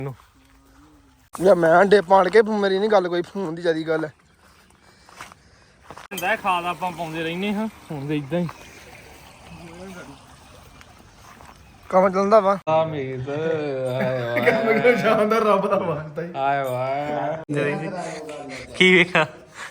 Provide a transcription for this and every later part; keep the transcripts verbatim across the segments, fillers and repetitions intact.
ਯਾ ਮੈਂ ਅੰਡੇ ਪਾਣ ਕੇ ਮੇਰੀ ਨਹੀਂ ਗੱਲ ਕੋਈ ਫੋਨ ਦੀ ਜਿਆਦੀ ਗੱਲ ਹੈ ਹੁੰਦਾ ਖਾਦ ਆਪਾਂ ਪਾਉਂਦੇ ਰਹਿੰਦੇ ਹਾਂ ਹੁਣ ਤੇ ਇਦਾਂ ਹੀ ਕੰਮ ਚੱਲਦਾ ਵਾ ਆ ਮੀਤ ਕੰਮ ਕਿਉਂ ਸ਼ਾਨਦਾਰ ਰੱਬ ਦਾ ਵਾਸਤਾ ਹੀ ਆਏ ਵਾਏ ਕੀ ਵੇਖਾ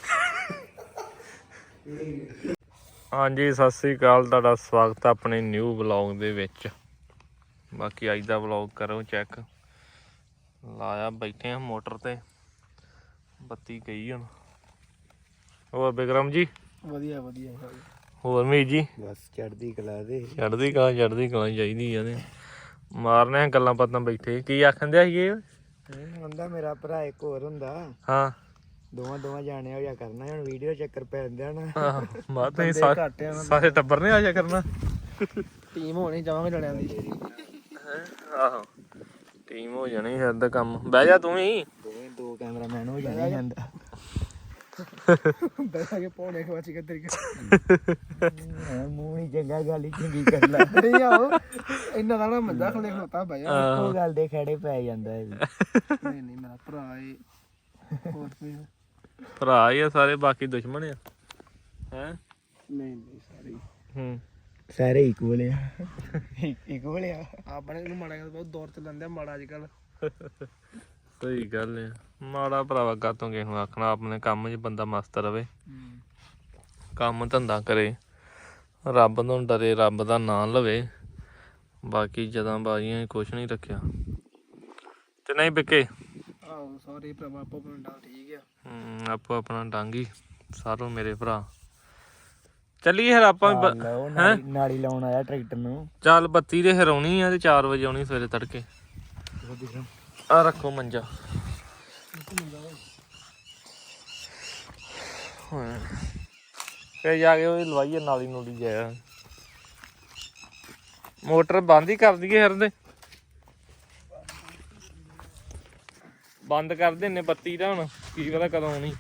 ਹਾਂਜੀ ਸਤਿ ਸ੍ਰੀ ਅਕਾਲ ਤੁਹਾਡਾ ਸਵਾਗਤ ਹੈ ਆਪਣੇ ਨਿਊ ਵਲੌਗ ਦੇ ਵਿੱਚ। ਬਾਕੀ ਅੱਜ ਦਾ ਵਲੌਗ ਕਰੋ ਚੈੱਕ। ਲਾਇਆ ਬੈਠੇ ਆ ਮੋਟਰ ਤੇ, ਬੱਤੀ ਗਈ ਹੁਣ। ਹੋਰ ਬਿਕਰਮ ਜੀ ਵਧੀਆ ਵਧੀਆ ਹੋਰ ਮੀ ਜੀ ਬਸ ਚੜ੍ਹਦੀ ਕਲਾ ਦੇ ਚੜ੍ਹਦੀ ਕਲਾ ਚੜ੍ਹਦੀ ਕਲਾ ਚਾਹੀਦੀ ਆ ਤੇ ਮਾਰਨੇ ਗੱਲਾਂ ਬਾਤਾਂ ਬੈਠੇ। ਕੀ ਆਖਣ ਦਿਆ ਸੀ ਇਹ ਹੁੰਦਾ ਮੇਰਾ ਭਰਾ ਇੱਕ ਹੋਰ ਹੁੰਦਾ ਹਾਂ ਦੋਵਾਂ ਦੋਵਾਂ ਜਾਣੇ ਹੋ ਜਾ ਕਰਨਾ ਹੁਣ ਵੀਡੀਓ ਚੱਕਰ ਪੈ ਜਾਂਦੇ ਨਾ ਆਹ ਬਾਤ ਨਹੀਂ ਸਾਰੇ ਟੱਬਰ ਨੇ ਆ ਜਾ ਕਰਨਾ ਟੀਮ ਹੋਣੀ ਜਾਵਾਂਗੇ ਜਣਿਆਂ ਦੀ ਆਹੋ ਟੀਮ ਹੋ ਜਾਣੀ ਫਿਰ ਦਾ ਕੰਮ। ਬਹਿ ਜਾ ਤੂੰ ਵੀ ਦੋਵੇਂ ਦੋ ਕੈਮਰਾਮੈਨ ਹੋ ਜਾਣੇ ਜਾਂਦਾ ਬੈਠਾ ਕੇ ਪੌਣੇ ਖਵਾਚੀ ਕੇ ਤਰੀਕੇ ਮੂੰਹ ਨਹੀਂ ਚੰਗਾ ਗੱਲ ਹੀ ਚੰਗੀ ਕਰ ਲੈ ਨਹੀਂ ਆਓ ਇੰਨਾ ਦਾ ਨਾ ਮੱਦਾ ਖਲੇ ਖਲੋਤਾ ਭਾਈ ਉਹ ਗੱਲ ਦੇ ਖੜੇ ਪੈ ਜਾਂਦਾ ਹੈ ਨਹੀਂ ਨਹੀਂ ਮੇਰਾ ਭਰਾ ਏ ਹੋਰ ਕੋਈ ਭਰਾ ਹੀ ਆ ਸਾਰੇ, ਬਾਕੀ ਦੁਸ਼ਮਣ ਆ ਹੈ ਨਹੀਂ ਨਹੀਂ ਸਾਰੇ ਹੂੰ ਸਾਰੇ ਇਕੁਅਲ ਆ ਇਕੁਅਲ ਆ ਆਪਣੇ ਨੂੰ ਮਾੜਾ ਬਹੁਤ ਦੌਰ ਤੇ ਲੈਂਦੇ ਮਾੜਾ ਅੱਜ ਕੱਲ ਸਹੀ ਗੱਲ ਆ। ਮਾੜਾ ਭਰਾਵਾ ਕਾਤੋਂ ਕਿਸੇ ਨੂੰ ਆਖਣਾ, ਆਪਣੇ ਕੰਮ 'ਚ ਬੰਦਾ ਮਸਤ ਰਵੇ, ਕੰਮ ਧੰਦਾ ਕਰੇ, ਰੱਬ ਤੋਂ ਡਰੇ, ਰੱਬ ਦਾ ਨਾਂ ਲਵੇ। ਬਾਕੀ ਜਦਾਂ ਬਾਜ਼ੀਆਂ ਕੁਛ ਨਹੀਂ ਰੱਖਿਆ ਤੇ ਨਹੀਂ ਬਿਕੇ ਆਹੋ ਸਾਰੇ ਭਰਾ ਆਪੋ ਆਪਣਾ ਡਾਲ ਠੀਕ ਆ ਹੂੰ ਆਪੋ ਆਪਣਾ ਡਾਂਗੀ ਸਾਰੋ ਮੇਰੇ ਭਰਾ। ਚੱਲੀਏ ਫਿਰ ਆਪਾਂ ਹੈਂ ਨਾਲੀ ਲਾਉਣ ਆਇਆ ਟਰੈਕਟਰ ਨੂੰ। ਚੱਲ ਬੱਤੀ ਦੇ ਹਰਾਉਣੀ ਆ ਤੇ ਚਾਰ ਵਜੇ ਆਉਣੀ ਸਵੇਰੇ ਤੜਕੇ। ਆ ਰੱਖੋ ਮੰਜਾ ਫੇਰ ਜਾ ਕੇ ਉਹ ਲਵਾਈਏ ਨਾਲੀ ਨੂਲੀ ਜਾਇਆ। ਮੋਟਰ ਬੰਦ ਹੀ ਕਰ ਦਈਏ ਹਰਦੇ ਬੰਦ ਕਰ ਦਿੰਨੇ ਬੱਤੀ ਦਾ ਹੁਣ ਕੀ ਪਤਾ ਕਦੋਂ ਆਉਣੀ।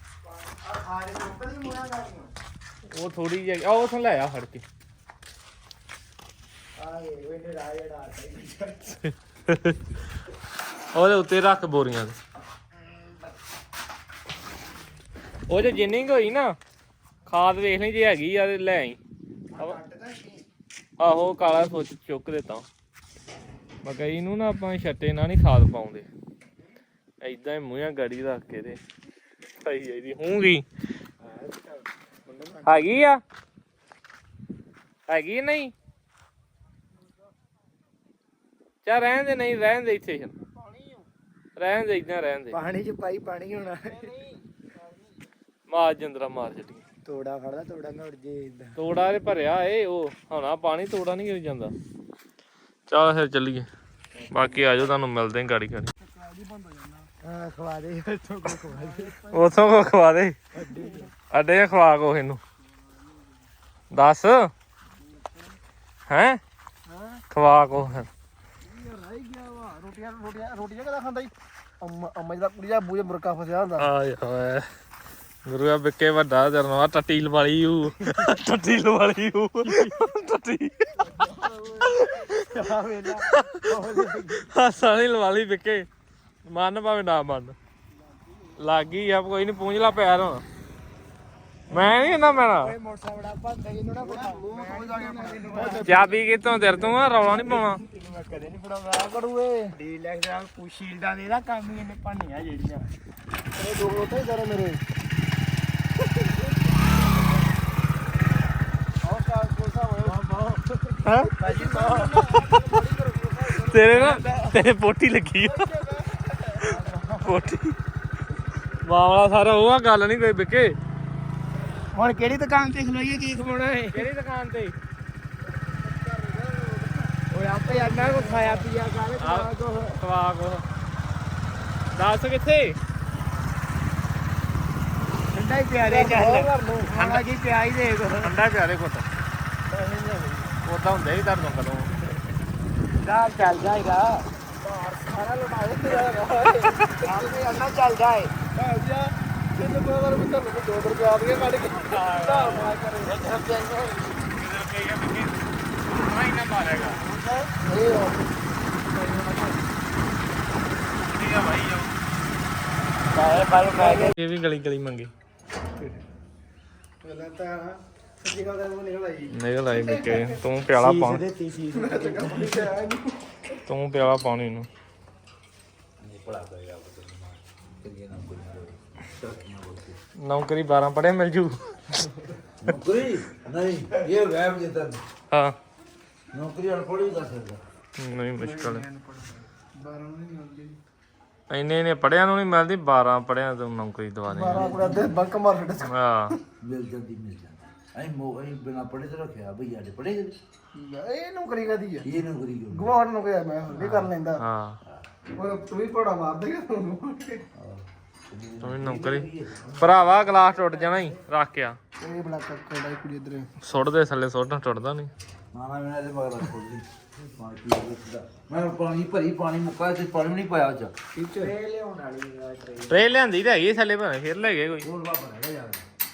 ਉਹ ਥੋੜੀ ਜਿਹੀ ਆ ਉਥੋਂ ਲੈ ਆ ਫੜ ਕੇ ਉਹਦੇ ਉੱਤੇ ਰੱਖ ਬੋਰੀਆਂ ਦੇ। ਉਹ ਜੇ ਜਿੰਨੀ ਕੁ ਹੋਈ ਨਾ ਖਾਦ ਵੇਖ ਲਈ ਜੇ ਹੈਗੀ ਆ ਤੇ ਲੈ ਆਈ। ਆਹੋ ਕਾਲਾ ਸੋਚ ਚੁੱਕ ਦਿੱਤਾ। ਮਕਈ ਨੂੰ ਨਾ ਆਪਾਂ ਛੱਟੇ ਨਾਲ ਨਹੀਂ ਖਾਦ ਪਾਉਂਦੇ, ਏਦਾਂ ਹੀ ਮੂੰਹਾਂ ਗਾੜੀ ਰੱਖ ਕੇ ਤੇ ਪਾਈ ਜਾਈਦੀ। ਹੂੰਗੀ ਹੈਗੀ ਆ ਹੈਗੀ ਨਹੀਂ ਚੱਲ ਰਹਿਣ ਦੇ, ਨਹੀਂ ਰਹਿਣ ਦੇ, ਇੱਥੇ ਰਹਿਣ ਦੇ, ਏਦਾਂ ਰਹਿਣ ਦੇ। ਪਾਣੀ ਚ ਪਾਈ ਪਾਣੀ ਹੋਣਾ ਮਾਰ ਜਿੰਦਰਾ ਮਾਰ ਜੱਟੀ ਤੋੜਾ ਫੜਦਾ ਤੋੜਾ ਨਾ ਉੜ ਜੇ ਇਦਾਂ। ਤੋੜਾ ਤੇ ਭਰਿਆ ਏ ਉਹ ਹੋਣਾ ਪਾਣੀ, ਤੋੜਾ ਨਹੀਂ ਗਿਰ ਜਾਂਦਾ। ਚੱਲ ਫਿਰ ਚੱਲੀਏ। ਬਾਕੀ ਆਜੋ ਤੁਹਾਨੂੰ ਮਿਲਦੇ ਗਾੜੀ ਗਾੜੀ। ਹਾਂ ਖਵਾ ਦੇ ਉੱਥੋਂ ਕੋ ਖਵਾ ਦੇ ਉਥੋਂ ਕੋ ਖਵਾ ਦੇ ਅੱਡੇ ਖਵਾ ਕੋ ਇਹਨੂੰ ਦੱਸ ਹੈਂ ਖਵਾ ਕੋ ਫਿਰ ਰੋਟੀਆਂ ਰੋਟੀਆਂ ਰੋਟੀਆਂ ਕਦਾ ਖਾਂਦਾ ਜੀ ਅੰਮਾ ਅੰਮਾ ਜਿਹੜਾ ਕੁੜੀ ਦਾ ਬੂਝੇ ਮੁਰਕਾ ਫਸਿਆ ਹੁੰਦਾ। ਆਏ ਹੋਏ ਗੁਰੂਆ ਬਿੱਕੇ ਵੱਡਾ ਜਰਨਵਾ ਟੱਟੀ ਲਵਾਲੀ ਹੂ ਟੱਟੀ ਲਵਾਲੀ ਹੂ ਟੱਟੀ ਹਾਸਾ ਨਹੀਂ ਲਵਾਲੀ ਬਿੱਕੇ, ਮੰਨ ਭਾਵੇਂ ਨਾ ਮੰਨ ਲੱਗ ਗਈ ਆ ਕੋਈ ਨੀ। ਪੂੰਝ ਲਾ ਪੈਰ ਹੁਣ, ਮੈਂ ਨੀ ਇਹਨਾਂ ਮੈਣਾ ਚਾਬੀ ਕਿਤੋਂ ਤੇਰੇ ਤੋਂ ਆ, ਰੌਲਾ ਨੀ ਪਾਉਣਾ। ਕਦੇ ਨੀ ਫੜਾਉਂਦਾ ਕਰੂਏ ਡੀਲੈਕਸ ਦਾ ਸ਼ੀਲਡਾਂ ਦੇ ਦਾ ਕੰਮ ਹੀ ਇਹਨੇ ਭਾਨੀਆਂ ਜਿਹੜੀਆਂ ਤੇਰੇ ਦੋ ਉੱਥੇ ਕਰੋ ਮੇਰੇ ਤੇਰੇ ਨਾ ਤੇਰੇ ਪੋਟੀ ਲੱਗੀ ਆ ਪੋਟੀ ਮਾਮਲਾ ਸਾਰਾ ਉਹ ਆ, ਗੱਲ ਨੀ ਕੋਈ ਬਿੱਕੇ। ਹੁਣ ਕਿਹੜੀ ਦੁਕਾਨ ਤੇ ਖਲੋਈਏ, ਕੀ ਖਵਾਉਣਾ ਹੈ? ਕਿਹੜੀ ਦੁਕਾਨ ਤੇ? ਓਏ ਆਪੇ ਅੰਨਾ ਕੋ ਖਾਇਆ ਪੀਆ ਕਰ ਖਵਾ ਕੋ ਖਵਾ ਕੋ ਦੱਸ ਕਿੱਥੇ ਠੰਡਾ ਹੀ ਪਿਆਰੇ ਚੱਲ ਠੰਡਾ ਕੀ ਪਿਆ ਹੀ ਦੇ ਕੋ ਠੰਡਾ ਪਿਆਰੇ ਕੋਟ ਉਦਾਂ ਹੁੰਦਾ ਹੀ ਤੁਹਾਨੂੰ ਕਦੋਂ ਚੱਲ ਚੱਲ ਜਾਏਗਾ ਸਾਰਾ ਲੁਟਾਏ ਤੇਰਾ ਆਪੇ ਅੰਨਾ ਚੱਲ ਜਾਏ ਜਾ ਤਿੰਨ ਬੋਲਰ ਵਿੱਚ ਤੁਹਾਨੂੰ ਦੋ ਰੁਪਏ ਆ ਗਏ ਕੱਢ ਕੇ ਹਿਸਾਬ ਨਾਲ ਕਰੇ ਇੱਕ ਰੁਪਏ ਰੁਪਏ ਬਿੱਕੇ ਨਾ ਹੀ ਨਾ ਮਾਰੇਗਾ ਇਹ ਪੈਸੇ ਪਾਈ ਪੈ ਗਏ ਇਹ ਵੀ ਗਲੀ ਗਲੀ ਮੰਗੇ ਪਹਿਲਾਂ ਤਾਂ ਸੱਚੀ ਗੱਲ ਦਾ ਮੂੰਹ ਨਿਕਲ ਆਈ ਨਿਕਲ ਆਈ ਨਿੱਕੇ ਤੂੰ ਪਿਆਲਾ ਪਾਉਣ ਦਿੱਤੀ ਸੀ ਚੰਗਾ ਪਾਣੀ ਤੇ ਆਇਆ ਨਹੀਂ ਤੂੰ ਪਿਆਲਾ ਪਾਉਣੀ ਨੂੰ ਨੌਕਰੀ ਬਾਰਾਂ ਪੜ੍ਹਿਆ ਮਿਲ ਜੂ ਨੌਕਰੀ ਨਹੀਂ ਇਹ ਵੈਬ ਜਿੱਤਨ ਹਾਂ ਨੌਕਰੀ ਅਨਪੜ੍ਹ ਵੀ ਕਰ ਸਕਦਾ ਨਹੀਂ ਮੁਸ਼ਕਲ ਹੈ ਬਾਰਾਂ ਨੂੰ ਨਹੀਂ ਆਉਂਦੀ ਇੰਨੇ ਨੇ ਪੜਿਆ ਨੂੰ ਨਹੀਂ ਮਿਲਦੀ ਬਾਰਾਂ ਪੜਿਆ ਤੂੰ ਨੌਕਰੀ ਦਵਾ ਦੇ ਬਾਰਾਂ ਪੂਰਾ ਦੇ ਬੰਕ ਮਾਰ ਛੱਡ ਹਾਂ ਮਿਲ ਜਾਂਦੀ ਮਿਲ ਜਾਂਦੀ ਐ ਮੋ ਐ ਬਿਨਾ ਪੜ੍ਹੇ ਤੇ ਰੱਖਿਆ ਭਈਆ ਦੇ ਪੜ੍ਹੇ ਇਹ ਨੌਕਰੀ ਕਦੀ ਆ ਇਹ ਨੌਕਰੀ ਕਿਉਂ ਗਵਾੜ ਨੂੰ ਕਿਹਾ ਮੈਂ ਹੁਣੇ ਕਰ ਲੈਂਦਾ ਹਾਂ ਉਹ ਤੂੰ ਵੀ ਘੋੜਾ ਮਾਰ ਦੇਗਾ ਤੁਹਾਨੂੰ ਤੂੰ ਵੀ ਨੌਕਰੀ ਭਰਾਵਾ ਗਲਾਸ ਟੁੱਟ ਜਾਣਾ ਹੀ ਰੱਖ ਕੇ ਆ ਇਹ ਬੜਾ ਕੱਕੜਾ ਹੀ ਕੁੜੀ ਇਧਰ ਸੁੱਟ ਦੇ ਥੱਲੇ ਸੁੱਟਣਾ ਟੁੱਟਦਾ ਨਹੀਂ ਨਾ ਨਾ ਮੈਂ ਇਹਦੇ ਮਗਰ ਖੋਲ ਲਈ ਪਾਣੀ ਪੀ ਲਿਆ ਮੈਂ ਪਾਣੀ ਭਰੀ ਪਾਣੀ ਮੁੱਕਾ ਤੇ ਪਾਣੀ ਵੀ ਨਹੀਂ ਪਾਇਆ ਚ ਟੀਚਰ ਇਹ ਲਿਆਉਣ ਵਾਲੀ ਆ ਟ੍ਰੇਨ ਟਰੇ ਲਿਆਂਦੀ ਤਾਂ ਹੈਗੀ ਥੱਲੇ ਭਾਵੇਂ ਫਿਰ ਲੈ ਗਏ ਕੋਈ ਕੋਲ ਬਾਬਾ ਰਹਿ ਜਾ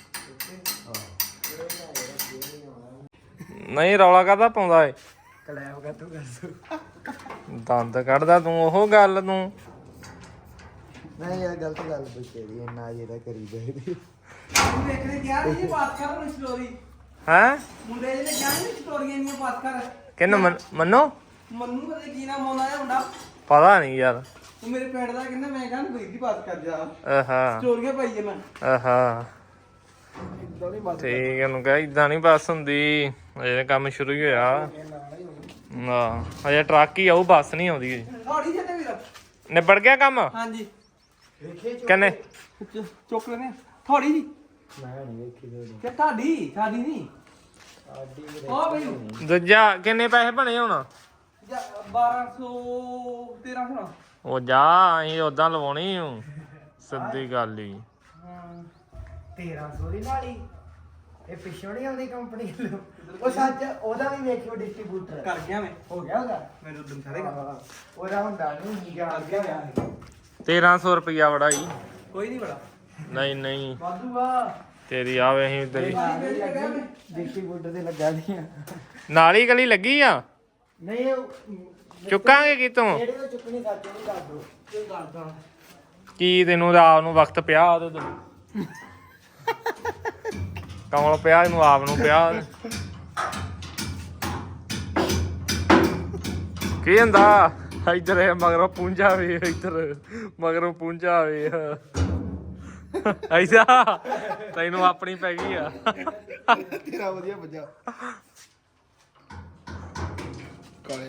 ਨਹੀਂ ਰੌਲਾ ਕਾਹਦਾ ਪਾਉਂਦਾ ਏ ਕਲੈਬ ਕਰ ਤੂੰ ਕਰ ਦੰਦ ਕੱਢਦਾ ਤੂੰ ਉਹ ਗੱਲ ਤੂੰ ਨਹੀਂ ਯਾਰ ਗਲਤ ਗੱਲ ਪੁੱਛੇ ਦੀ ਇੰਨਾ ਜਿਹੜਾ ਕਰੀ ਜਾਈਦੀ ਵੇਖਣੇ ਗਿਆ ਨਹੀਂ ਬਾਤ ਕਰ ਹੁਣ ਸਟੋਰੀ ਹੈ ਮੁੰਡੇ ਜਿਹਨੇ ਕਿਹਾ ਨਹੀਂ ਸਟੋਰੀਆਂ ਨਹੀਂ ਬਾਤ ਕਰ ਕਿੰਨੂੰ ਮੰਨ- ਮੰਨੋ ਮੰਨੂ ਪਤਾ ਕੀ ਨਾਮ ਆਉਂਦਾ ਹੈ ਮੁੰਡਾ ਪਤਾ ਨਹੀਂ ਯਾਰ ਉਹ ਮੇਰੇ ਪਿੰਡ ਦਾ ਕਹਿੰਦਾ ਮੈਂ ਕਹਿੰਦਾ ਬਈ ਦੀ ਬਾਤ ਕਰ ਜਾ ਆਹਾ ਸਟੋਰੀਆਂ ਪਾਈ ਜੇ ਮੈਂ ਆਹਾ ਇਦਾਂ ਨਹੀਂ ਬਾਤ ਠੀਕ ਹੈ ਨੂੰ ਕਹ ਇਦਾਂ ਨਹੀਂ ਬੱਸ ਹੁੰਦੀ ਅਜੇ ਕੰਮ ਸ਼ੁਰੂ ਹੀ ਹੋਇਆ ਹਾਂ ਅਜੇ ਟਰੱਕ ਹੀ ਆਊ ਬੱਸ ਨਹੀਂ ਆਉਂਦੀ ਅਜੇ। ਥੋੜੀ ਜਿਹੀ ਤੇ ਵੀਰ ਨਿਬੜ ਗਿਆ ਕੰਮ ਹਾਂਜੀ ਕਹਿੰਨੇ ਚ- ਚੁੱਕ ਲੈਨੇ ਥੋੜੀ ਜੀ ਮੈਂ ਨਹੀਂ ਵੇਖੀ ਦੋੜੀ ਕਿ ਤੁਹਾਡੀ ਸਾਡੀ ਨਹੀਂ ਆਡੀ ਉਹ ਬਈ ਦੂਜਾ ਕਿੰਨੇ ਪੈਸੇ ਬਣੇ ਹੁਣ ਜਾ ਬਾਰਾਂ ਸੌ ਤੇਰਾਂ ਸੌ ਉਹ ਜਾ ਅਸੀਂ ਉਦਾਂ ਲਵਾਉਣੀ ਹੂੰ ਸਿੱਧੀ ਗੱਲ ਹੀ ਤੇਰਾਂ ਸੌ ਦੀ ਨਾਲ ਹੀ ਇਹ ਪਿੱਛੋਂ ਨਹੀਂ ਆਉਂਦੀ ਕੰਪਨੀ ਵੱਲੋਂ ਉਹ ਸੱਚ ਉਹਦਾ ਵੀ ਵੇਖਿਓ ਡਿਸਟ੍ਰੀਬਿਊਟਰ ਕਰ ਗਿਆ ਮੈਂ ਹੋ ਗਿਆ ਉਹਦਾ ਮੇਰੇ ਉਦੋਂ ਸਾਰੇ ਕੰਮ ਹਾਂ, ਉਹਦਾ ਹੁੰਦਾ ਨਹੀਂ ਗਿਆ ਕਰ ਗਿਆ ਮੈਂ ਤੇਰਾਂ ਸੌ ਰੁਪਇਆ ਬੜਾ ਹੀ ਕੋਈ ਨਹੀਂ ਬੜਾ ਨਹੀਂ ਨਹੀਂ ਵਾਧੂ ਆ ਤੇਰੀ ਆਵੇ ਅਸੀਂ ਤੇਰੀ ਡਿਸਟ੍ਰੀਬਿਊਟਰ ਤੇ ਲੱਗਾ ਦੀਆਂ ਨਾਲ ਹੀ ਗਲੀ ਲੱਗੀ ਆ ਨਹੀਂ ਉਹ ਚੁੱਕਾਂਗੇ ਕਿਤੋਂ ਜਿਹੜੇ ਤੋਂ ਚੁੱਕਣੀ ਸੱਚ ਨਹੀਂ ਕਰ ਦੋ ਕੋਈ ਕਰਦਾ ਕੀ ਤੈਨੂੰ ਰਾਤ ਨੂੰ ਵਕਤ ਪਿਆ ਉਹਦੇ ਤੋਂ ਕਮਲ ਪਿਆ ਇਹਨੂੰ ਆਪ ਨੂੰ ਪਿਆ ਕੀ ਹੁੰਦਾ ਇੱਧਰ ਇਹ ਮਗਰੋਂ ਪੁੰਜਾ ਵੇ ਇੱਧਰ ਮਗਰੋਂ ਪੁੰਜਾ ਵੇ ਐਸਾ ਤੈਨੂੰ ਆਪਣੀ ਪੈ ਗਈ ਆ ਤੇਰਾ ਵਧੀਆ ਵੱਜਾ ਕਾਲੇ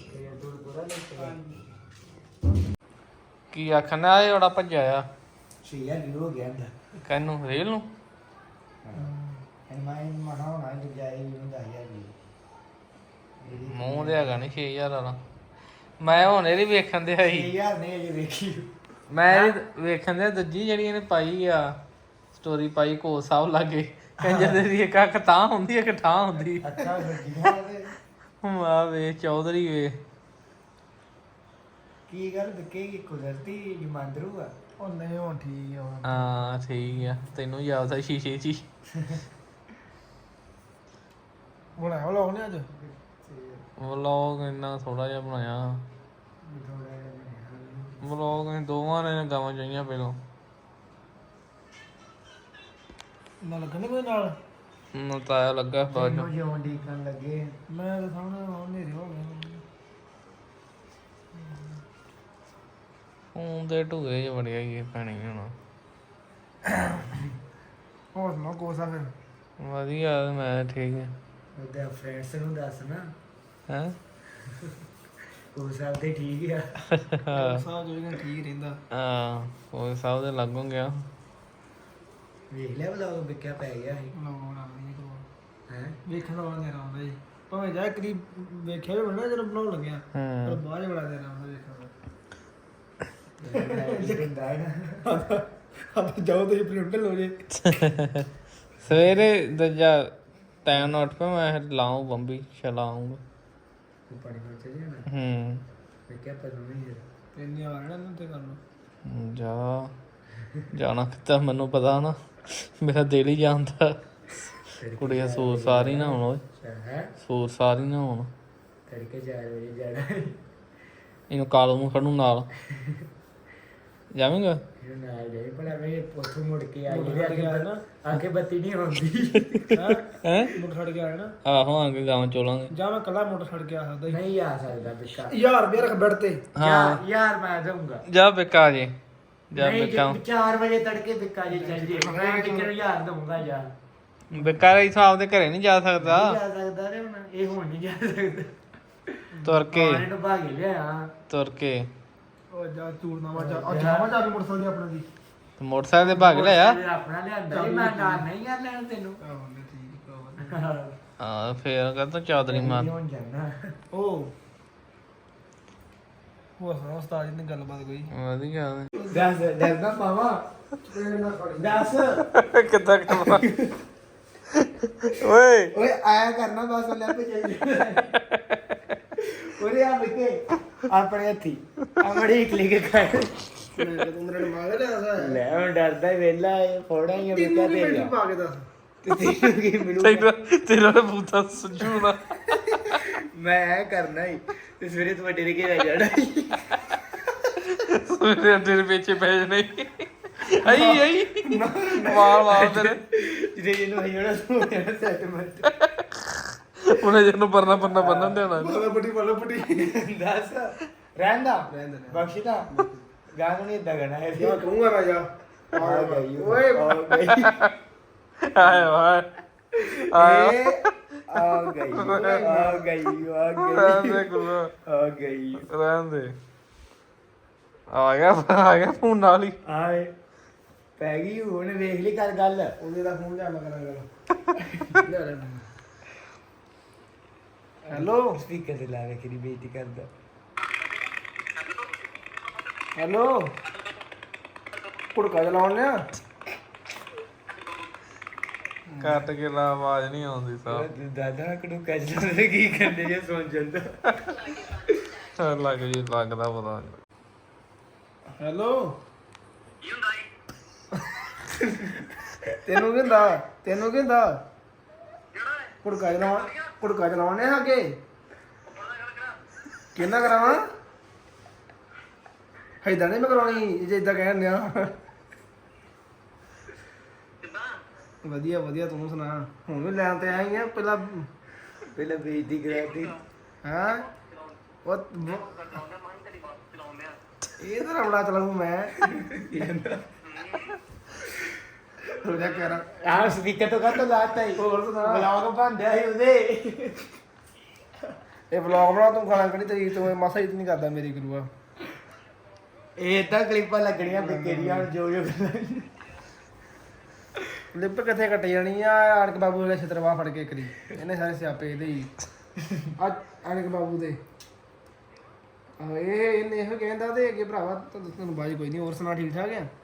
ਕੀ ਆਖਣਾ ਇਹ ਬੜਾ ਭੱਜਿਆ ਆ ਛੀਆ ਵੀ ਹੋ ਗਿਆ ਅੰਦਰ ਕਹਿੰਨੂੰ ਰੇਲ ਨੂੰ ਇਹ ਮੈਂ ਮਨਾਉਣਾ ਜਾਈ ਹੁੰਦਾ ਯਾਰ ਜੀ ਮੂੰਹ ਦੇ ਹੈਗਾ ਨਹੀਂ ਛੇ ਹਜ਼ਾਰ ਵਾਲਾ ਮੈਂ ਹੁਣ ਇਹਦੀ ਵੇਖਣ ਦੇ ਆਈ ਯਾਰ ਨਹੀਂ ਅਜੇ ਵੇਖੀ ਮੈਂ ਇਹਦੀ ਵੇਖਣ ਦੇ ਦੂਜੀ ਜਿਹੜੀ ਇਹਨੇ ਪਾਈ ਆ ਸਟੋਰੀ ਪਾਈ ਕੋ ਸਾਹਿਬ ਲਾਗੇ ਕਹਿੰਦੇ ਦੀ ਇੱਕ ਅੱਖ ਤਾਂ ਹੁੰਦੀ ਇੱਕ ਠਾਂ ਹੁੰਦੀ ਅੱਛਾ ਵੱਜੀਆਂ ਆ ਵੇ ਚੌਧਰੀ ਵੇ ਕੀ ਗੱਲ ਦਿੱਕੇਗੀ ਕੁਦਰਤੀ ਜਮਾਂਦਰੂ ਆ ਉਹ ਨਹੀਂ ਹੁਣ ਠੀਕ ਆ ਹਾਂ ਠੀਕ ਆ ਤੈਨੂੰ ਯਾਦ ਆ ਸ਼ੀਸ਼ੇ 'ਚ ਹੀ ਬਣਾਇਆ ਲੋਕ ਨੇ ਅੱਜ ਵਲੌਗ ਇੰਨਾ ਥੋੜਾ ਜਿਹਾ ਬਣਾਇਆ ਵਲੌਗ ਅਸੀਂ ਦੋਵਾਂ ਨੇ ਗਾਵਾਂ ਚਾਹੀਆਂ ਪਹਿਲਾਂ ਨਾ ਲੱਗਣੇ ਕੋਈ ਨਾਲ ਨਾ ਤਾਇਆ ਲੱਗਾ ਬਾਅਦ ਮੈਨੂੰ ਜਿਉਂ ਡੀਕਣ ਲੱਗੇ ਮੈਂ ਤਾਂ ਸਾਹਮਣੇ ਹਨੇਰੇ ਹੋ ਗਏ ਫੋਨ ਦੇ ਢੂਏ ਜਿਹਾ ਵੜਿਆ ਹੀ ਪੈਣੀ ਹੁਣ ਹੋਰ ਸੁਣਾ ਕੋਸਾ ਫਿਰ ਵਧੀਆ ਮੈਂ ਠੀਕ ਹੈ ਉਹਦੇ ਫਰੈਂਡਸ ਨੂੰ ਦੱਸ ਨਾ ਹੈ ਕੋਸਾ ਤੇ ਠੀਕ ਆ ਕੋਸਾ ਜੋ ਇਹਨਾਂ ਠੀਕ ਰਹਿੰਦਾ ਹਾਂ ਕੋਈ ਸਾਹਿਬ ਦੇ ਲੱਗੋਂ ਗਿਆ ਵੇਖ ਲਿਆ ਬਲਾ ਵਿਕਿਆ ਪੈ ਗਿਆ ਸੀ ਲਾਉਣਾ ਨਹੀਂ ਕੋ ਹੈ ਵੇਖਣ ਵਾਲਾ ਨਹੀਂ ਆਉਂਦਾ ਜੀ ਭਾਵੇਂ ਜਾ ਕਰੀਬ ਵੇਖਿਆ ਵੀ ਬਣਾ ਜਦੋਂ ਬਣਾਉਣ ਲੱਗਿਆ ਪਰ ਹੂੰ ਬਾਅਦ ਬੜਾ ਦੇਰ ਆਉਂਦਾ ਵੇਖਣ ਦਾ ਆਪ ਜਾਓ ਤੇ ਪ੍ਰਿੰਟ ਲੋ ਜੇ ਸਵੇਰੇ ਦੂਜਾ ਟਾਈਮ ਨਾਲ ਉੱਠ ਪਿਆ ਮੈਂ ਲਾਉਂ ਬੰਬੀ ਚਲਾਉਂਗਾ ਪਾਣੀ ਵਿੱਚ ਚਲੇ ਜਾਣਾ ਹੂੰ ਵੇਖਿਆ ਪਰ ਨਹੀਂ ਹੈ ਇੰਨੀ ਆ ਰਹਿਣਾ ਨੂੰ ਤੇ ਕਰ ਲੋ ਜਾ ਜਾਣਾ ਕਿਤਾ ਮੈਨੂੰ ਪਤਾ ਨਾ ਮੇਰਾ ਦਿਲ ਹੀ ਜਾਂਦਾ ਕੁੜੀਆਂ ਸੂਰ ਸਾਰੀ ਨਾ ਹੋਣ ਓਏ ਹੈ ਸੂਰ ਸਾਰੀ ਨਾ ਹੋਣ ਤੜਕੇ ਚਾਰ ਵਜੇ ਜਾਣਾ ਇਹਨੂੰ ਕਾਲੂ ਨੂੰ ਖੜੂ ਨਾਲ ਜਾਵੇਂਗਾ ਫਿਰ ਨਾਲ ਜਾਈ ਭਲਾ ਵੇ ਉੱਥੋਂ ਮੁੜ ਕੇ ਆਈ ਤੇ ਅੱਗੇ ਨਾ ਅੱਗੇ ਬੱਤੀ ਨਹੀਂ ਆਉਂਦੀ ਹਾਂ ਹੈ ਮੋਟਰ ਛੱਡ ਕੇ ਆਇਆ ਨਾ ਆਹੋ ਆ ਕੇ ਗਾਵਾਂ ਚੋਲਾਂਗੇ ਜਾਂ ਮੈਂ ਕੱਲਾ ਮੋਟਰ ਛੱਡ ਕੇ ਆ ਸਕਦਾ ਨਹੀਂ ਆ ਸਕਦਾ ਬਿੱਕਾ ਯਾਰ ਰੁਪਏ ਰੱਖ ਬੈਠ ਤੇ ਹਾਂ ਯਾਰ ਮੈਂ ਦਊਂਗਾ ਜਾ ਬਿੱਕਾ ਜੀ ਜਾ ਬਿੱਕਾ ਚਾਰ ਵਜੇ ਤੜਕੇ ਬਿੱਕਾ ਜੀ ਚੱਲ ਜੇ ਮੈਂ ਕਿਹਨੂੰ ਯਾਰ ਦਊਂਗਾ ਯਾਰ ਬਿੱਕਾ ਦੇ ਹਿਸਾਬ ਦੇ ਘਰੇ ਨਹੀਂ ਜਾ ਸਕਦਾ ਜਾ ਸਕਦਾ ਰੇ ਹੁਣ ਇਹ ਹੁਣ ਨਹੀਂ ਜਾ ਸਕਦਾ ਤੁਰ ਕੇ ਪਾਣੀ ਤੋਂ ਭਾਗ ਲਿਆ ਤੁਰ ਕੇ ਉਹ ਜਾ ਚੂਰਨਾਵਾ ਜਾ ਆ ਜਾਵਾ ਜਾ ਕੇ ਮੋਟਰਸਾਈਕਲ ਦੀ ਆਪਣਾ ਦੀ ਮੋਟਰਸਾਈਕਲ ਦੇ ਭਾਗ ਲਿਆ ਆਪਣਾ ਲਿਆਂਦਾ ਸੀ, ਮੈਂ ਨਾਲ ਨਹੀਂ ਆ ਲੈਣ ਤੈਨੂੰ ਹਾਂ ਫੇਰ ਕਹਿੰਦਾ ਚੌਧਰੀ ਮਾਰ ਹੁਣ ਜਾਣਾ ਉਹ ਉਹ ਹਾਂ ਉਸਤਾਦ ਜੀ ਨੇ ਗੱਲਬਾਤ ਕੋਈ ਵਧੀਆ ਦੱਸ ਡਰਦਾ ਮਾਵਾ ਦੱਸ ਕਿੱਦਾਂ ਕਰਨਾ ਓਏ ਓਏ ਆਇਆ ਕਰਨਾ ਬਸ ਲੈ ਪੇ ਚੱਲ ਓਰੇ ਆ ਬਿਕੇ ਆਪਣੇ ਹੱਥੀ ਆਮੜੀ ਕਲਿੱਕ ਕਰ ਮੈਂ ਤੂੰ ਮੇਰੇ ਮਾਰ ਲਿਆ ਲੈ ਹੁਣ ਡਰਦਾ ਹੀ ਵੇਲਾ ਇਹ ਫੋੜਾ ਹੀ ਬਿਕਾ ਤੇ ਜਾ ਪਾ ਕੇ ਦੱਸ ਤੇ ਤੈਨੂੰ ਕੀ ਮਿਲੂ ਤੇਰਾ ਤੇਰਾ ਤਾਂ ਬੂਤਾ ਸੁਝੂ ਨਾ ਮੈਂ ਕਰਨਾ ਹੀ ਤੇ ਸਵੇਰੇ ਤੂੰ ਡਰ ਕੇ ਰਹਿ ਜਾਣਾ ਸਵੇਰੇ ਤੇਰੇ ਪਿੱਛੇ ਪੈ ਜਾਣੇ ਆਈ ਆਈ ਮਾਰ ਮਾਰ ਤੇਰੇ ਜਿਹਦੇ ਜਿਹਨੂੰ ਆਈ ਹੋਣਾ ਤੂੰ ਮੇਰਾ ਸੈਟਮੈਂਟ ਉਹਨੇ ਜਿਹਨੂੰ ਪਰਨਾ ਪਰਨਾ ਬੰਨਣ ਦੇਣਾ ਬਾਲਾ ਪੱਟੀ ਬਾਲਾ ਪੱਟੀ ਦੱਸ ਰਹਿੰਦਾ ਰਹਿੰਦਾ ਬਖਸ਼ਦਾ ਗਾਂ ਨੂੰ ਨਹੀਂ ਇਦਾਂ ਕਰਨਾ ਹੈ ਕਿਉਂ ਕਹੂੰਗਾ ਮੈਂ ਜਾ ਆ ਗਈ ਓਏ ਆ ਗਈ ਆਏ ਵਾਏ ਆਏ ਆ ਗਈ ਆ ਗਈ ਆ ਰਹਿਣ ਗਈ ਦੇ ਗੁਰੂ ਆ ਗਈ ਰਹਿਣ ਦੇ ਆ ਗਿਆ ਆ ਗਿਆ ਫੋਨ ਨਾਲ ਹੀ ਆਏ ਪੈ ਗਈ ਹੁਣ ਵੇਖ ਲਈ ਕਰ ਗੱਲ ਉਹਦੇ ਦਾ ਫੋਨ ਲਿਆ ਮੈਂ ਕਰਾਂ ਗੱਲ ਹੈਲੋ ਸਪੀਕਰ ਤੇ ਲਾ ਕੇ ਕਿਹਦੀ ਬੇਇੱਜ਼ਤੀ ਕਰਦਾ ਹੈਲੋ ਕੁੜਕਾ ਚਲਾਉਣ ਲਿਆ ਕੱਟ ਕੇ ਲਾ ਆਵਾਜ਼ ਨਹੀਂ ਆਉਂਦੀ ਸਾਹ ਦਾਦਾ ਕੁੜਕਾ ਚਲਾਉਂਦੇ ਕੀ ਕਰਦੇ ਜੇ ਸੁਣ ਜਾਂਦਾ ਲੱਗ ਜੀ ਲੱਗਦਾ ਪਤਾ ਹੈਲੋ ਤੈਨੂੰ ਕਹਿੰਦਾ ਤੈਨੂੰ ਕਹਿੰਦਾ ਕੁੜਕਾ ਚਲਾਉਣ ਕੁੜਕਾ ਚਲਾਉਣੇ ਆ ਅੱਗੇ ਕਿੰਨਾ ਕਰਾਵਾਂ ਹੈਦਾਂ ਨਹੀਂ ਮੈਂ ਕਰਾਉਣੀ ਜੇ ਇਦਾਂ ਕਹਿਣ ਦਿਆ ਵਧੀਆ ਵਧੀਆ ਤੂੰ ਸੁਣਾ ਹੁਣ ਵੀ ਲੈਣ ਤੇ ਆਈ ਆ ਪਹਿਲਾਂ ਪਹਿਲਾਂ ਬੇਇੱਜ਼ਤੀ ਕਰਾਤੀ ਹਾਂ ਉਹ ਇਹ ਤਾਂ ਰੌਲਾ ਚਲਾਉਂ ਮੈਂ ਹੋ ਜਾ ਕਰ ਆ ਸਪੀਕਰ ਤੋਂ ਕੱਟ ਲਾਤਾ ਹੀ ਹੋਰ ਸੁਣਾ ਵਲੌਗ ਬੰਦਿਆ ਸੀ ਉਹਦੇ ਇਹ ਵਲੌਗ ਬਣਾ ਤੂੰ ਖਾਣਾ ਕਿਹੜੀ ਤਰੀਕ ਤੋਂ ਮਾਸਾ ਹੀ ਨਹੀਂ ਕਰਦਾ ਮੇਰੀ ਗੁਰੂਆ ਇਹ ਤਾਂ ਕਲਿੱਪਾਂ ਲੱਗਣੀਆਂ ਬਿਕੇਰੀਆਂ ਜੋ ਜੋ ਕਲਿੱਪ ਕਿੱਥੇ ਕੱਟ ਜਾਣੀ ਆ ਆਣਕ ਬਾਬੂ ਦੇ ਛਤਰਵਾ ਫੜ ਕੇ ਕਰੀ ਇਹਨੇ ਸਾਰੇ ਸਿਆਪੇ ਇਹਦੇ ਹੀ ਆ ਆਣਕ ਬਾਬੂ ਦੇ ਆ ਇਹ ਇਹਨੇ ਇਹੋ ਕਹਿੰਦਾ ਤੇ ਅੱਗੇ ਭਰਾਵਾ ਤੁਹਾਨੂੰ ਬਾਜੀ ਕੋਈ ਨਹੀਂ ਹੋਰ ਸੁਣਾ ਠੀਕ ਠਾਕ ਆ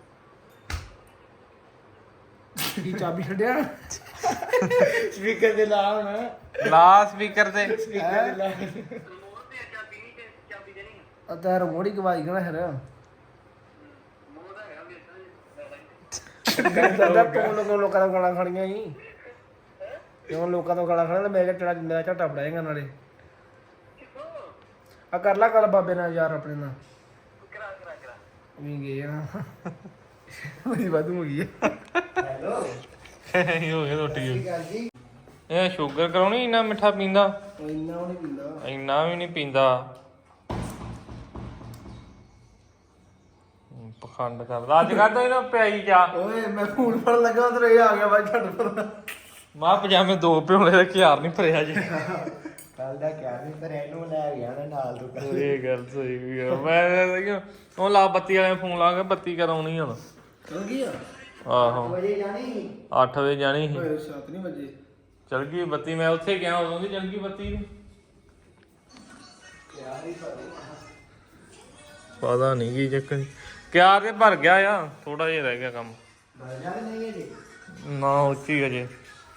ਕੀ ਚਾਬੀ ਛੱਡਿਆ ਸਪੀਕਰ ਦੇ ਲਾ ਹੁਣ ਲਾ ਸਪੀਕਰ ਤੇ ਸਪੀਕਰ ਦੇ ਲਾ ਆ ਤਾਂ ਰਿਮੋਟ ਹੀ ਗਵਾਈ ਗਣਾ ਫਿਰ ਕਹਿੰਦਾ ਤੂੰ ਲੋਕਾਂ ਲੋਕਾਂ ਦਾ ਗਾਲਾਂ ਖਾਣੀਆਂ ਹੀ ਕਿਉਂ ਲੋਕਾਂ ਤੋਂ ਗਾਲਾਂ ਖਾਣਾ ਮੇਰੇ ਟੜਾ ਮੇਰਾ ਝਟਾ ਫੜਾਏਗਾ ਨਾਲੇ ਆ ਕਰ ਲਾ ਗੱਲ ਬਾਬੇ ਨਾਲ ਯਾਰ ਆਪਣੇ ਨਾਲ ਕਰਾ ਕਰਾ ਕਰਾ ਵੀ ਗਏ ਨਾ ਮੇਰੀ ਵਾਧੂ ਹੋ ਗਈ ਹੈਲੋ ਇਹ ਹੋ ਗਿਆ ਰੋਟੀ ਇਹ ਸ਼ੂਗਰ ਕਰਾਉਣੀ ਇੰਨਾ ਮਿੱਠਾ ਪੀਂਦਾ ਇੰਨਾ ਉਹ ਨਹੀਂ ਪੀਂਦਾ ਇੰਨਾ ਵੀ ਨਹੀਂ ਪੀਂਦਾ ਪਖੰਡ ਕਰਦਾ ਅੱਜ ਕਰਦਾ ਇਹਨਾਂ ਪਿਆਈ ਜਾ ਓਏ ਮੈਂ ਫੋਨ ਫੜ ਲੱਗਾ ਉਧਰ ਇਹ ਆ ਗਿਆ ਬਾਈ ਛੱਡ ਪਰ ਮਾਂ ਪਜਾਮੇ ਦੋ ਪਿਉਣੇ ਦਾ ਖਿਆਰ ਨਹੀਂ ਭਰਿਆ ਜੀ ਕੱਲ ਦਾ ਕਿਆ ਨਹੀਂ ਪਰ ਇਹਨੂੰ ਲੈ ਗਿਆ ਨਾ ਨਾਲ ਤੂੰ ਇਹ ਗੱਲ ਸਹੀ ਹੈ ਮੈਂ ਉਹ ਲਾ ਬੱਤੀ ਵਾਲੇ ਫੋਨ ਲਾ ਕੇ ਬੱਤੀ ਕਰਾਉਣੀ ਹੁਣ ਚਲ ਗਈ ਆ ਆਹੋ ਵਜੇ ਜਾਣੀ ਅੱਠ ਵਜੇ ਜਾਣੀ ਸੀ ਓਏ ਸੱਤ ਨਹੀਂ ਵਜੇ ਚਲ ਗਈ ਬੱਤੀ ਮੈਂ ਉੱਥੇ ਗਿਆ ਉਦੋਂ ਦੀ ਚਲ ਗਈ ਬੱਤੀ ਪਤਾ ਨਹੀਂ ਕੀ ਚੱਕਰ ਕਿਆ ਤੇ ਭਰ ਗਿਆ ਆ ਥੋੜਾ ਜਿਹਾ ਰਹਿ ਗਿਆ ਕੰਮ ਬਾਜ਼ਾਰ ਨਹੀਂ ਹੈ ਜੀ ਨਾ ਉੱਚੀ ਅਜੇ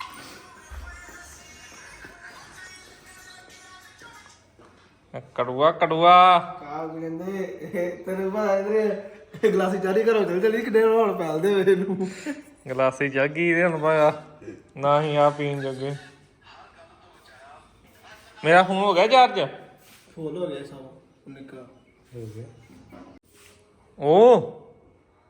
ਕੜੂਆ ਕੜੂਆ ਕਾ ਕਹਿੰਦੇ ਤੇਰੇ ਬਾਹਰ ਗਲਾਸੀ ਚਾਰੀ ਕਰੋ ਚਲ ਚਲੀ ਕਿੱਡੇ ਹੋਣ ਪੈਲਦੇ ਵੇ ਇਹਨੂੰ ਗਲਾਸੀ ਚੱਲ ਗਈ ਇਹਦੇ ਹੁਣ ਪਾਇਆ ਨਾ ਹੀ ਆ ਪੀਣ ਜੋਗੇ ਮੇਰਾ ਫੋਨ ਹੋ ਗਿਆ ਚਾਰਜ ਫੁੱਲ ਹੋ ਗਿਆ ਸਭ ਨਿੱਕਾ ਹੋ ਗਿਆ ਉਹ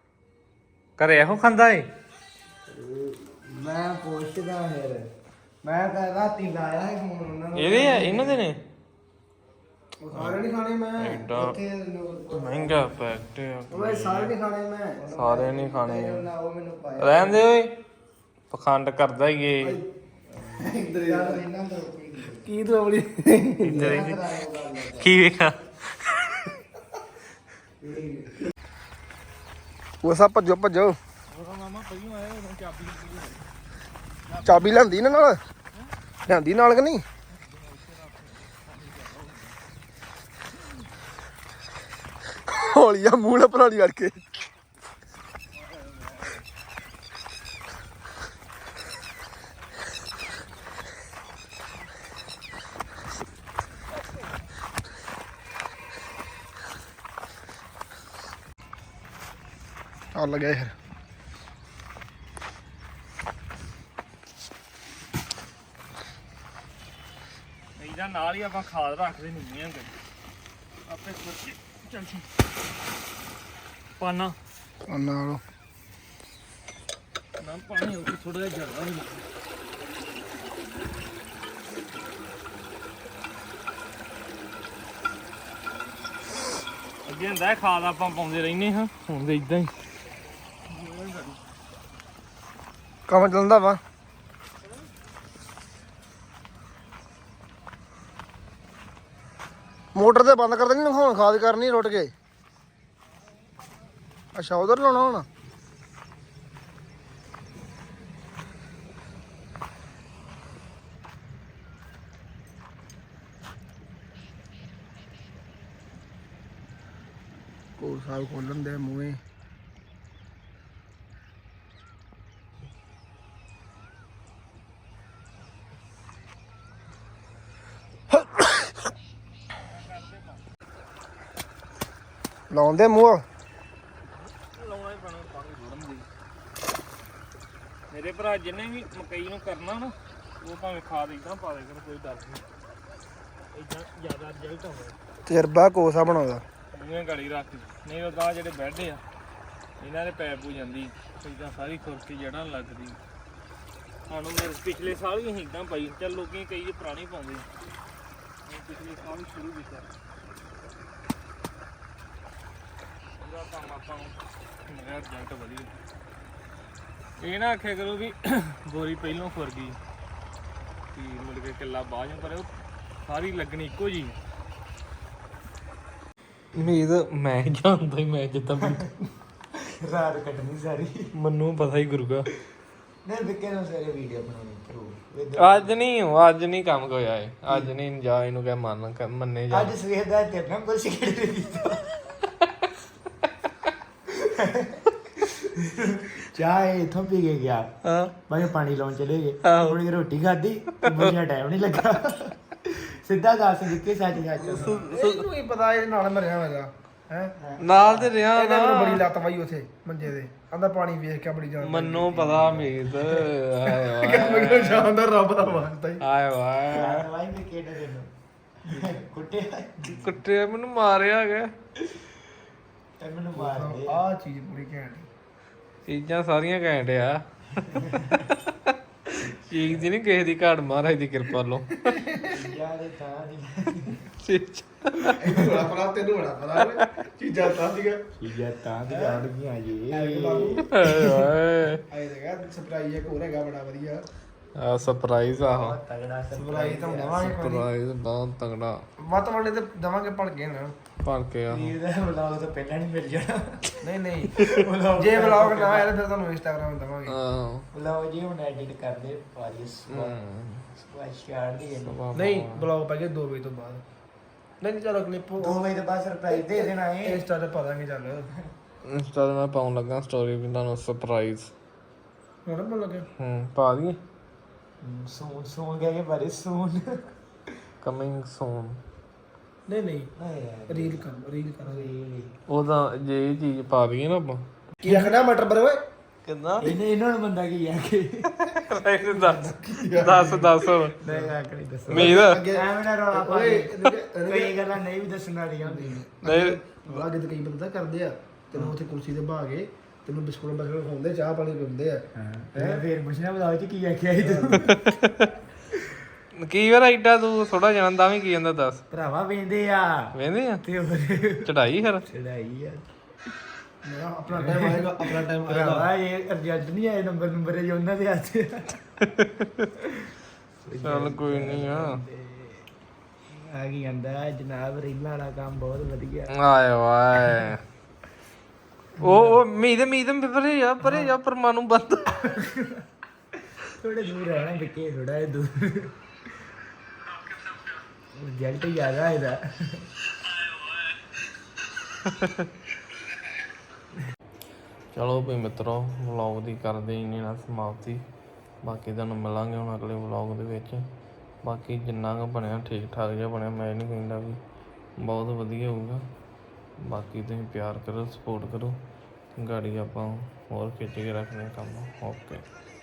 ਘਰੇ ਇਹੋ ਖਾਂਦਾ ਏ ਮੈਂ ਪੁੱਛਦਾ ਫਿਰ ਮੈਂ ਤਾਂ ਰਾਤੀ ਲਾਇਆ ਹੈ ਫੋਨ ਉਹਨਾਂ ਨੂੰ ਇਹਦੇ ਆ ਇਹਨਾਂ ਦੇ ਨੇ ਉਹ ਸਾਰੇ ਨਹੀਂ ਖਾਣੇ ਮੈਂ ਐਡਾ ਉੱਥੇ ਮਹਿੰਗਾ ਪੈਕਟ ਆ ਓਏ ਸਾਰੇ ਨਹੀਂ ਖਾਣੇ ਮੈਂ ਸਾਰੇ ਨਹੀਂ ਖਾਣੇ ਉਹ ਮੈਨੂੰ ਪਾਇਆ ਰਹਿਣ ਦੇ ਓਏ ਪਖੰਡ ਕਰਦਾ ਹੀ ਏ ਇੰਦਰ ਯਾਰ ਇਹਨਾਂ ਦਾ ਕੀ ਦੋਵਲੀ ਕੀ ਵੇਖਾ ਉਹ ਸਭ ਭੱਜੋ ਭੱਜੋ ਚਾਬੀ ਲੈਂਦੀ ਨਾ ਨਾਲ ਲਿਆਂਦੀ ਨਾਲ ਕਿ ਨਹੀਂ ਹੌਲੀਆ ਮੂੰਹ ਨਾਲ ਭਰਾਲੀ ਅੜ ਕੇ ਚੱਲ ਗਏ ਫਿਰ ਇਹਦਾ ਨਾਲ ਹੀ ਆਪਾਂ ਖਾਦ ਰੱਖਦੇ ਨਹੀਂ ਆਂ ਆਪੇ ਸੋਚੀ ਚੱਲ ਜੀ ਪਾਣਾ ਨਾਲ ਨਾ ਪਾਣੀ ਹੋ ਥੋੜਾ ਜਿਹਾ ਜ਼ਿਆਦਾ ਹੋ ਅੱਗੇ ਹੁੰਦਾ ਖਾਦ ਆਪਾਂ ਪਾਉਂਦੇ ਰਹਿੰਦੇ ਹਾਂ ਹੁਣ ਤੇ ਇਦਾਂ ਹੀ ਕੰਮ ਚੱਲਦਾ ਵਾ ਮੋਟਰ ਤੇ ਬੰਦ ਕਰ ਦੇਣੀ ਹੁਣ ਖਾਦ ਕਰਨੀ ਰੁੱਟ ਕੇ ਅੱਛਾ ਉਧਰ ਲਾਉਣਾ ਹੁਣ ਕੋ ਸਾਲ ਖੋਲਣ ਦੇ ਮੂੰਹੇ ਲਾਉਂਦੇ ਮੂੰਹ ਲਾਉਣਾ ਹੀ ਪੈਣਾ ਪਾਣੀ ਥੋੜ੍ਹਾ ਦੀ ਮੇਰੇ ਭਰਾ ਜਿਹਨੇ ਵੀ ਮਕਈ ਨੂੰ ਕਰਨਾ ਨਾ ਉਹ ਭਾਵੇਂ ਖਾਦ ਇਦਾਂ ਪਾ ਦੇ ਕਰ ਕੋਈ ਡਰ ਨਹੀਂ ਇਦਾਂ ਜ਼ਿਆਦਾ ਰਿਜ਼ਲਟ ਆਉਂਦਾ ਤਜਰਬਾ ਕੋਸਾ ਬਣਾਉਂਦਾ ਮੂੰਹੇ ਗਲੀ ਰੱਖ ਨਹੀਂ ਉਹ ਗਾਹ ਜਿਹੜੇ ਬੈੱਡ ਆ ਇਹਨਾਂ ਦੇ ਪੈਪ ਹੋ ਜਾਂਦੀ ਇਦਾਂ ਸਾਰੀ ਖੁਰਕੀ ਜੜ੍ਹਾਂ ਲੱਗਦੀ ਸਾਨੂੰ ਮੇਰੇ ਪਿਛਲੇ ਸਾਲ ਵੀ ਅਸੀਂ ਇਦਾਂ ਪਾਈ ਚੱਲ ਲੋਕੀ ਕਈ ਜੇ ਪੁਰਾਣੀ ਪਾਉਂਦੇ ਅਸੀਂ ਪਿਛਲੇ ਸਾਲ ਸ਼ੁਰੂ ਕੀਤਾ ਪੂਰਾ ਕੰਮ ਆਪਾਂ ਨੂੰ ਮੇਰਾ ਰਿਜ਼ਲਟ ਵਧੀਆ ਇਹ ਨਾ ਆਖਿਆ ਕਰੋ ਵੀ ਬੋਰੀ ਪਹਿਲੋਂ ਖੁਰ ਗਈ ਕਿ ਮੁੜ ਕੇ ਕਿੱਲਾ ਬਾਅਦ ਪਰ ਉਹ ਸਾਰੀ ਲੱਗਣੀ ਇੱਕੋ ਜੀ ਉਮੀਦ ਮੈਂ ਜਾਣਦਾ ਹੀ ਮੈਂ ਜਿੱਦਾਂ ਰਾਤ ਕੱਟਣੀ ਸਾਰੀ ਮੈਨੂੰ ਪਤਾ ਹੀ ਗੁਰੂਗਾ ਨਹੀਂ ਵਿਕੇ ਨੂੰ ਸਾਰੇ ਵੀਡੀਓ ਬਣਾਉਣੀ ਪ੍ਰੂਫ ਅੱਜ ਨਹੀਂ ਅੱਜ ਨਹੀਂ ਕੰਮ ਹੋਇਆ ਏ ਅੱਜ ਨਹੀਂ ਜਾ ਇਹਨੂੰ ਕਹਿ ਮੰਨ ਕ- ਮੰਨੇ ਜਾ ਅੱਜ ਸਵੇਰ ਦਾ ਤੇਰੇ ਨਾਲ ਕੁਝ ਸਿਗਰਟ ਨਹੀਂ ਪੀਤਾ ਚਾਹ ਇਥੋਂ ਪੀ ਕੇ ਗਿਆ ਹਾਂ ਮੈਂ ਪਾਣੀ ਲਾਉਣ ਚਲੇ ਗਏ ਆਹੋ। ਥੋੜੀ ਰੋਟੀ ਖਾਧੀ ਮੁਝੇ ਟਾਈਮ ਨਹੀਂ ਲੱਗਾ ਸਿੱਧਾ ਦੱਸ ਦਿੱਤੇ ਸੱਚ ਸੱਚ ਇਹਨੂੰ ਹੀ ਪਤਾ ਇਹਦੇ ਨਾਲ ਮਰਿਆ ਹੋਇਆ ਹੈ ਨਾਲ ਤੇ ਰਿਹਾ ਇਹਦਾ ਨਾ ਮੈਨੂੰ ਬੜੀ ਲੱਤ ਪਾਈ ਉਥੇ ਮੰਜੇ ਦੇ ਆਂਦਾ ਪਾਣੀ ਵੇਖ ਕੇ ਬੜੀ ਜਾਨ ਮੈਨੂੰ ਪਤਾ ਉਮੀਦ ਆਏ ਮੈਂ ਕਿਹਾ ਜਾਨ ਦਾ ਰੱਬ ਦਾ ਵਾਸਤਾ ਹੀ ਆਏ ਵਾਏ ਵਾਈ ਵੀ ਕਿਹੜੇ ਦੇ ਕੁੱਟੇ ਕੁੱਟੇ ਮੈਨੂੰ ਮਾਰਿਆ ਗਿਆ ਤੇ ਮੈਨੂੰ ਮਾਰ ਦੇ ਆ ਚੀਜ਼ ਪੂਰੀ ਘੈਂਟ ਚੀਜ਼ਾਂ ਸਾਰੀਆਂ ਘੈਂਟ ਆ ਚੀਜ਼ ਦੀ ਨਹੀਂ ਕਿਸੇ ਦੀ ਘਾੜ ਮਹਾਰਾਜ ਦੀ ਕਿਰਪਾ ਲੋ ਯਾਰ ਇਹ ਤਾਂ ਨਹੀਂ ਇਹਨੂੰ ਬੜਾ ਪਤਾ ਤੈਨੂੰ ਬੜਾ ਪਤਾ ਚੀਜ਼ਾਂ ਤਾਂ ਸੀਗਾ ਚੀਜ਼ਾਂ ਤਾਂ ਦੀ ਆੜ ਗਈਆਂ ਜੀ ਆਏ ਵਾਏ ਆਏ ਦੇਗਾ ਸਰਪ੍ਰਾਈਜ਼ ਇੱਕ ਹੋਰ ਹੈਗਾ ਬੜਾ ਵਧੀਆ ਆ ਸਰਪ੍ਰਾਈਜ਼ ਆਹੋ ਤਗੜਾ ਸਰਪ੍ਰਾਈਜ਼ ਤਾਂ ਦਵਾਂਗੇ ਸਰਪ੍ਰਾਈਜ਼ ਬਹੁਤ ਤਗੜਾ ਮਤ ਵਾਲੇ ਤੇ ਦਵਾਂਗੇ ਭੜ ਕੇ ਨਾ ਭਰ ਕੇ ਆ ਵੀਰ ਦਾ ਵਲੌਗ ਤਾਂ ਪਹਿਲਾਂ ਨਹੀਂ ਮਿਲ ਜਾਣਾ ਨਹੀਂ ਨਹੀਂ ਜੇ ਵਲੌਗ ਨਾ ਆਇਆ ਫਿਰ ਤੁਹਾਨੂੰ ਇੰਸਟਾਗ੍ਰਾਮ ਦਵਾਂਗੇ ਹਾਂ ਵਲੌਗ ਜੀ ਹੁਣ ਐਡਿਟ ਕਰਦੇ ਪਾਰੀਸ ਹਮ। ਸਪੈਸ਼ਲ ਦੀ ਨਹੀਂ ਵਲੌਗ ਪਾ ਕੇ ਦੋ ਵਜੇ ਤੋਂ ਬਾਅਦ ਨਹੀਂ ਨਹੀਂ ਚਲੋ ਕਲਿੱਪ ਦੋ ਵਜੇ ਤੋਂ ਬਾਅਦ ਸਰਪ੍ਰਾਈਜ਼ ਦੇ ਦੇਣਾ ਹੈ ਇੰਸਟਾ ਤੇ ਪਾ ਦਾਂਗੇ ਚੱਲ ਇੰਸਟਾ ਤੇ ਮੈਂ ਪਾਉਣ ਲੱਗਾ ਸਟੋਰੀ ਵੀ ਤੁਹਾਨੂੰ ਸਰਪ੍ਰਾਈਜ਼ ਹੁਣ ਬੋਲ ਲੱਗੇ ਹੂੰ ਪਾ ਦਈਏ ਸੂਨ ਸੂਨ ਕਹਿ ਕੇ ਬਾਰੇ ਸੂਨ ਕਮਿੰਗ ਸੂਨ ਨਹੀਂ ਨਹੀਂ ਰੀਲ ਕਰ ਰੀਲ ਕਰ ਰੀਲ ਉਹਦਾ ਜੇ ਇਹ ਚੀਜ਼ ਪਾ ਦਈਏ ਨਾ ਆਪਾਂ ਕੀ ਆਖਣਾ ਮਟਰ ਬਰ ਓਏ ਕਿੰਨਾ ਇਹਨੇ ਇਹਨਾਂ ਨੂੰ ਬੰਦਾ ਕੀ ਆ ਕੇ ਦੱਸ ਦੱਸ ਦੱਸ ਹੁਣ ਨਹੀਂ ਆ ਕੇ ਨਹੀਂ ਦੱਸ ਉਮੀਦ ਐਵੇਂ ਨਾ ਰੌਲਾ ਪਾ ਓਏ ਕਈ ਗੱਲਾਂ ਨਹੀਂ ਵੀ ਦੱਸਣ ਵਾਲੀਆਂ ਹੁੰਦੀਆਂ ਨਹੀਂ ਅੱਗੇ ਤਾਂ ਕਈ ਬੰਦਾ ਕਰਦੇ ਆ ਤੈਨੂੰ ਉੱਥੇ ਕੁਰਸੀ ਤੇ ਬਹਾ ਕੇ ਤੈਨੂੰ ਬਿਸਕੁਟ ਬਸਕੁਟ ਖਾਉਂਦੇ ਚਾਹ ਪਾਣੀ ਪੀਂਦੇ ਆ ਹਾਂ ਫੇਰ ਪੁੱਛਣਾ ਬਲਾਉ ਚ ਕੀ ਆਖਿਆ ਸੀ ਤੂੰ ਕੀ ਵਾਰ ਐਡਾ ਤੂੰ ਥੋੜਾ ਜਾਣਦਾ ਵੀ ਕੀ ਜਾਂਦਾ ਦੱਸ ਭਰਾਵਾ ਵੇਂਦੇ ਆ ਵੇਂਦੇ ਆ ਤੇ ਹੋਰ ਚੜਾਈ ਫਿਰ ਚੜਾਈ ਆ ਮੇਰਾ ਆਪਣਾ ਟਾਈਮ ਆਏਗਾ ਆਪਣਾ ਟਾਈਮ ਆਏਗਾ ਭਰਾਵਾ ਇਹ ਅਰਜੈਂਟ ਨਹੀਂ ਆਏ ਨੰਬਰ ਨੰਬਰ ਹੈ ਉਹਨਾਂ ਦੇ ਹੱਥ ਚੱਲ ਕੋਈ ਨਹੀਂ ਆ ਆ ਕੀ ਕਹਿੰਦਾ ਜਨਾਬ ਰੀਲਾਂ ਵਾਲਾ ਕੰਮ ਬਹੁਤ ਵਧੀਆ ਆਏ ਵਾਏ ਉਹ ਉਹ ਮੀਦ ਮੀਦ ਪਰੇ ਜਾ ਪਰੇ ਜਾ ਪਰਮਾਣੂ ਬੰਦ ਥੋੜੇ ਦੂਰ ਰਹਿਣਾ ਵਿੱਕੇ ਥੋੜਾ ਜਿਹਾ ਦੂਰ ਰਿਜ਼ਲਟ ਜ਼ਿਆਦਾ ਇਹਦਾ ਚਲੋ ਵੀ ਮਿੱਤਰੋ ਵਲੌਗ ਦੀ ਕਰਦੇ ਇੰਨੀ ਨਾਲ ਸਮਾਪਤੀ ਬਾਕੀ ਤੁਹਾਨੂੰ ਮਿਲਾਂਗੇ ਹੁਣ ਅਗਲੇ ਵਲੌਗ ਦੇ ਵਿੱਚ ਬਾਕੀ ਜਿੰਨਾ ਕੁ ਬਣਿਆ ਠੀਕ ਠਾਕ ਜਿਹਾ ਬਣਿਆ ਮੈਂ ਨਹੀਂ ਕਹਿੰਦਾ ਵੀ ਬਹੁਤ ਵਧੀਆ ਹੋਊਗਾ ਬਾਕੀ ਤੁਸੀਂ ਪਿਆਰ ਕਰੋ ਸਪੋਰਟ ਕਰੋ ਗਾੜੀ ਆਪਾਂ ਹੋਰ ਖਿੱਚ ਕੇ ਰੱਖਦੇ ਕੰਮ ਓਕੇ